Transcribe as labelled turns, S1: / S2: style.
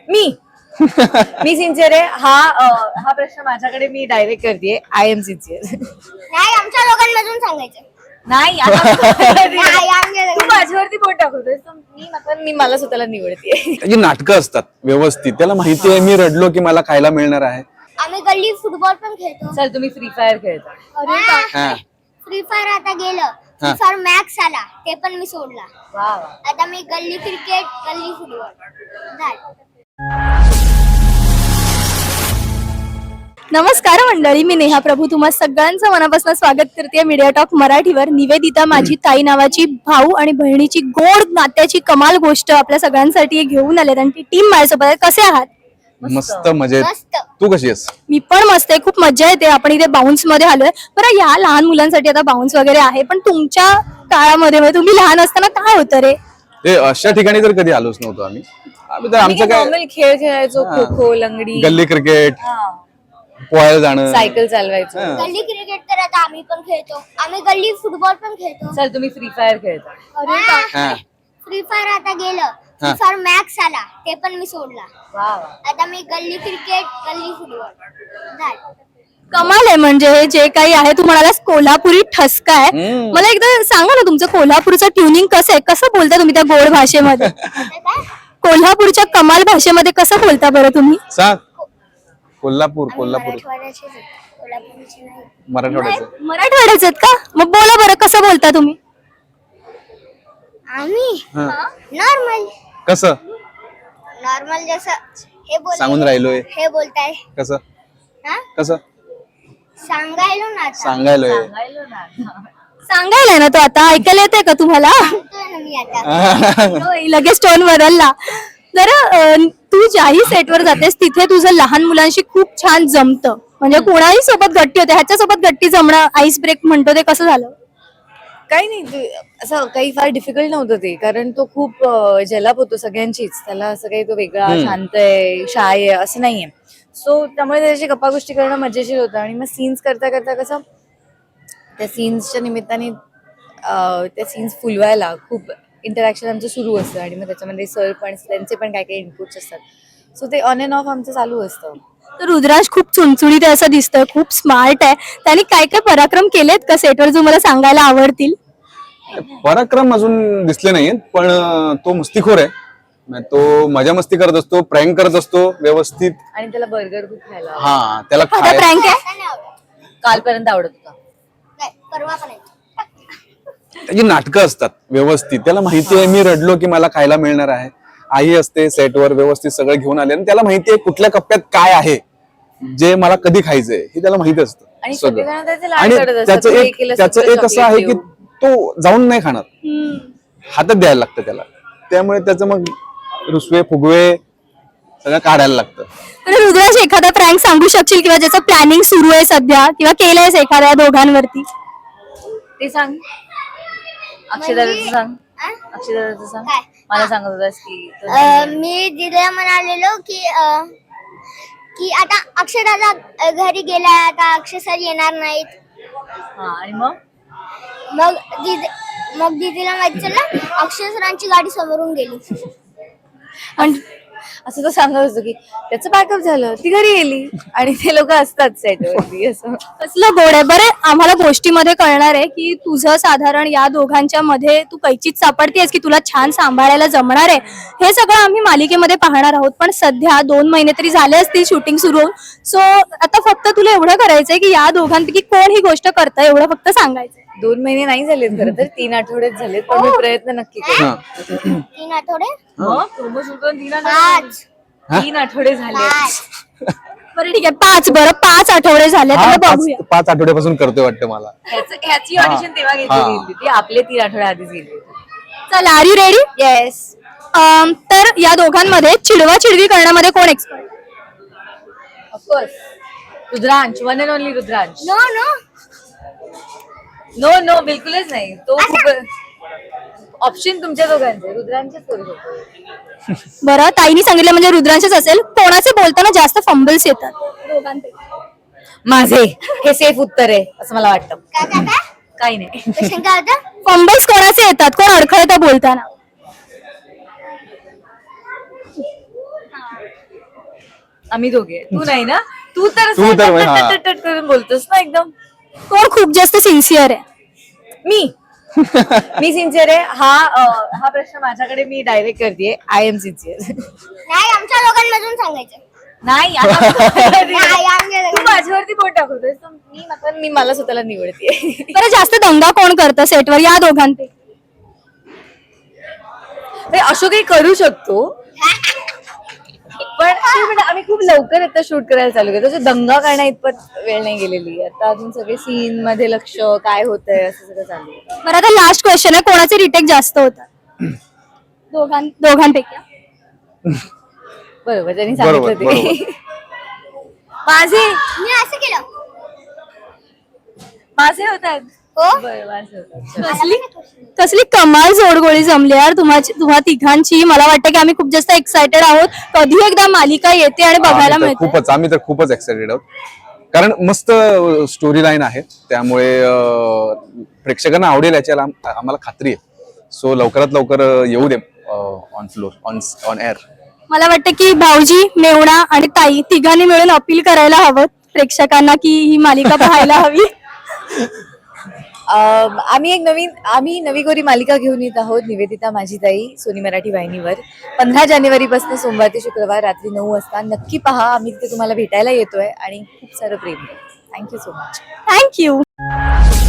S1: मी मी sincere आहे. हा प्रश्न माझ्याकडे मी डायरेक्ट करते. I am sincere.
S2: नाही आमच्या लोकांमधून सांगायचं.
S1: नाही तू माझ्यावरती बोट टाकतोय. मी मला स्वतःला निवडते.
S3: त्याची नाटकं असतात व्यवस्थित. त्याला माहिती आहे मी रडलो की मला खायला मिळणार आहे.
S2: आम्ही गल्ली फुटबॉल पण खेळतो.
S1: चल तुम्ही फ्री फायर खेळता.
S3: हा.
S2: फ्री फायर आता गेलं. फ्री फायर मॅक्स आला ते पण मी सोडला.
S1: वा
S2: आता मी गल्ली क्रिकेट गल्ली फुटबॉल.
S4: नमस्कार मंडळी, मी नेहा प्रभू तुम्हा सगळ्यांचं मनापासून स्वागत करते मीडिया टॉक मराठीवर. निवेदिता माझी ताई नावाची भाऊ आणि बहिणीची गोड नात्याची कमाल गोष्ट आपल्या सगळ्यांसाठी घेऊन आलेत आणि ती टीम माझ्यासोबत आहे. कसे आहात?
S3: मस्त मजेत.
S2: मस्त.
S3: तू कशी आहेस?
S4: मी पण मस्त आहे. खूप मजा येते. आपण इथे बाउन्स मध्ये आलोय. बरं, या लहान मुलांसाठी आता बाउन्स वगैरे आहे, पण तुमच्या काळामध्ये म्हणजे तुम्ही लहान असताना काय होतं रे?
S3: ते अशा ठिकाणी तर कधी आलोच नव्हतो आम्ही तर आमचं काय
S1: नॉर्मल खेळ खेळायचो. खो खो, लंगडी,
S3: गल्ली क्रिकेट, पोहायला जाणं,
S1: सायकल चालवायचो.
S2: गल्ली क्रिकेट तर आता आम्ही पण खेळतो. आम्ही गल्ली फुटबॉल पण खेळतो.
S1: चल तुम्ही फ्री फायर खेळता.
S3: हा.
S2: फ्री फायर आता गेलं. फ्री फायर मॅक्स आला ते पण मी सोडला.
S1: वा
S2: आता मी गल्ली क्रिकेट गल्ली फुटबॉल.
S4: कमाल आहे. म्हणजे हे जे काही आहे तू म्हणालास कोल्हापुरी ठसका आहे. मला एकदा सांगा ना, तुमचं कोल्हापूरचं ट्युनिंग कसं आहे? कसं बोलता तुम्ही त्या गोड भाषेमध्ये? कोल्हापूरच्या कमाल भाषेमध्ये कसं बोलता बरं तुम्ही?
S3: सांग. कोल्हापूर
S2: मराठवाड्याचे कोल्हापूरचे नाही.
S3: मराठवाड्याचं.
S4: मराठवाड्याचे आहेत का? मग बोला बरं, कसं बोलता तुम्ही?
S2: आम्ही
S3: हा.
S2: नॉर्मल
S3: कसं
S2: नॉर्मल जसं हे
S3: सांगून राहिलोय.
S2: हे बोलताय.
S3: कसं
S2: हा
S3: कसं
S2: सांगायलो ना आता.
S3: सांगायलोय.
S4: सांगायला ना तो आता ऐकायला येते का तुम्हाला?
S2: सांगतोय ना मी आता.
S4: होय, लगेच टोन बदलला. जरा तू ज्याही सेटवर जातेस तिथे तुझं लहान मुलांशी खूप छान जमतं. म्हणजे कोणाही सोबत गट्टी होते. ह्याच्या सोबत गट्टी जमणं, आईस ब्रेक म्हणतो ते कसं झालं?
S1: काही नाही, असं काही फार डिफिकल्ट नव्हतं ते. कारण तो खूप जलाप होतो सगळ्यांचीच. त्याला असं काही तो वेगळा शांत आहे, शाय आहे असं नाहीये. सो त्यामुळे त्याची गप्पा गोष्टी करणं मजेशीर होतं. आणि मग सीन्स करता करता कसं त्या सीन्सच्या निमित्ताने त्या सीन्स फुलवायला खूप इंटरॅक्शन आमचं सुरू असतं. आणि मग त्याच्यामध्ये सर पण त्यांचे पण काही काही इनपुट्स असतात. सो ते ऑन अँड ऑफ आमचं चालू असतं.
S4: तर रुद्रांश खूप चुणचुणीत आहे असं दिसतंय, खूप स्मार्ट आहे. त्यांनी काय काय पराक्रम केलेत का सेटवर जो मला सांगायला आवडतील?
S3: पराक्रम अजून दिसले नाहीत, पण तो मस्तीखोर आहे. तो मजा मस्ती करत असतो, प्रँक करत असतो व्यवस्थित.
S1: आणि त्याला बर्गर खूप खायला आवडतं.
S3: हा, त्याला
S4: आता प्रँक आहे.
S2: आता नाही आवडत.
S1: कालपर्यंत आवडत होता.
S2: नाही परवा पण आहे.
S3: त्याची नाटकं असतात व्यवस्थित. त्याला माहिती आहे मी रडलो की मला खायला मिळणार आहे. आई असते सेटवर व्यवस्थित सगळं घेऊन आले आणि त्याला माहिती आहे कुठल्या कप्प्यात काय आहे जे मला कधी खायचंय हे त्याला माहित असतं
S1: आणि
S3: सगळं.
S1: सगळेजण त्याचे लाड
S3: आणि
S1: करत असतात.
S3: त्याचं
S1: तू
S3: एक
S1: एकीला
S3: त्याचं
S1: सगळं
S3: एक असं आहे की
S1: chocolate
S3: तो जाऊन नाही खाणार, हातात द्यायला लागतं त्याला. त्यामुळे त्याचं मग रुसवे फुगवे सगळं काढायला लागतं.
S4: तर रुद्रांश, एखादा प्रँक सांगू शकशील किंवा ज्याचं प्लॅनिंग सुरू आहे सध्या किंवा केलंयस एखाद्या दोघांवरती?
S1: ते सांग. अक्षयदाचं सांग.
S2: आ?
S1: अक्षयदाचं सांग.
S2: काय?
S1: मला सांगत होतास की
S2: मी दिदीला म्हणालेलो की आता अक्षय दादा घरी गेलाय. आता अक्षय सर येणार नाहीत.
S1: हा. आणि मग
S2: मग दीदीला माहिती झालं अक्षय सरांची गाडी समोरून गेली.
S4: आणि
S1: असं तो सांगत होतो की त्याचं बॅकअप झालं, ती घरी गेली आणि ते लोक असतात सेटवरती असं.
S4: कसलं गोड आहे. बरं, आम्हाला गोष्टीमध्ये कळणार आहे की तुझं साधारण या दोघांच्या मध्ये तू कैचीत सापडतेस की तुला छान सांभाळायला जमणार आहे. हे सगळं आम्ही मालिकेमध्ये पाहणार आहोत. पण सध्या 2 महिने तरी झाले असतील शूटिंग सुरू होऊन. सो आता फक्त तुला एवढं करायचंय की या दोघांपैकी कोण ही गोष्ट करतं एवढं फक्त सांगायचंय.
S1: 2 महिने नाही झालेत खरं तर, 3 आठवडेच झालेत. पण मी प्रयत्न नक्की करेन.
S3: हा.
S2: 3 आठवडे
S1: मग promo shoot करून 3
S2: 5
S1: तीन आठवडे झाले.
S4: बरं ठीक आहे, 5 आठवडे झाले.
S3: हा,
S4: तर बघूया.
S3: 5 आठवड्यापासून करतोय वाटतं मला.
S1: ह्याची ऑडिशन तेव्हा घेतली होती. ती आपले 3 आठवडे आधीच गेली होती.
S4: चला, आर यू रेडी?
S1: येस.
S4: तर या दोघांमध्ये चिडवा-चिडवी करण्यामध्ये कोण expert?
S1: Of course Rudransh, one and only Rudransh.
S2: No no
S1: no no बिलकुलच नाही. तो खूप ऑप्शन तुमच्या दोघांचे, रुद्रांचेच करू शकतो.
S4: बरं, ताईनी सांगितलं म्हणजे रुद्रांशच असेल. कोणाचे बोलताना जास्त फंबल्स येतात दोघांपैकी?
S1: माझे. हे सेफ उत्तर आहे असं मला वाटतं.
S2: काय
S1: काही नाही.
S2: पेशंट काय होतं?
S4: फंबल्स कोणाचे येतात? कोण अडखळतं बोलताना?
S1: आम्ही दोघे. तू नाही ना? तू तर
S3: तू तर
S1: असं
S3: हा.
S1: टट करून बोलतोस ना एकदम.
S4: कोण खूप जास्त सिन्सिअर आहे?
S1: मी मी सिन्सिअर आहे. हा प्रश्न माझ्याकडे मी डायरेक्ट करते. I am sincere.
S2: नाही आमच्या लोकांमधून सांगायचं.
S1: नाही
S2: नाही, आमच्या
S1: तू माझ्यावरती बोट टाकतोय. मी मला स्वतःला निवडते.
S4: बरं जास्त दंगा कोण करतं सेटवर या दोघांपैकी?
S1: असं काही करू शकतो पण ते म्हणजे आम्ही खूप लवकर आता शूट करायला चालू केलं. तसं दंगा करण्या इतपत वेळ नाही गेलेली. आता अजून सगळे सीन मध्ये लक्ष काय होतंय असं सगळं चालू आहे.
S4: बरं आता लास्ट क्वेश्चन आहे, कोणाचे रिटेक जास्त होतात दोघांपैकी?
S1: बरोबर त्यांनी
S3: बरोबर,
S1: सांगितलं ते. माझे
S2: मी असं केलं.
S1: माझे होतात.
S2: हो
S1: बरं, माझे होतात.
S4: कसली कमाल जोडगोळी जमली यार तुम्हा तिघांची. मला वाटतं की आम्ही खूप जास्त एक्सायटेड आहोत. कधी एकदा मालिका येते आणि बघायला मिळते.
S3: आम्ही तर खूपच एक्साइटेड आहोत, कारण मस्त स्टोरी लाईन आहे, त्यामुळे प्रेक्षकांना आवडेल याच्याला आम्हाला खात्री आहे. सो लवकरात लवकर येऊ दे ऑन फ्लोर, ऑन एअर.
S4: मला वाटतं की भाऊजी, मेवणा आणि ताई तिघांनी मिळून अपील करायला हवं प्रेक्षकांना की ही मालिका पाहायला हवी.
S1: आम्ही नवी गोरी मालिका घेऊन येत आहोत. निवेदिता माझी ताई, सोनी मराठी वाहिनीवर 15 जानेवारीपासून सोमवार ते शुक्रवार रात्री 9 वाजता नक्की पहा. आम्ही तिथे तुम्हाला भेटायला येतोय आणि खूप सारं प्रेम. Thank you so much.
S4: थँक्यू.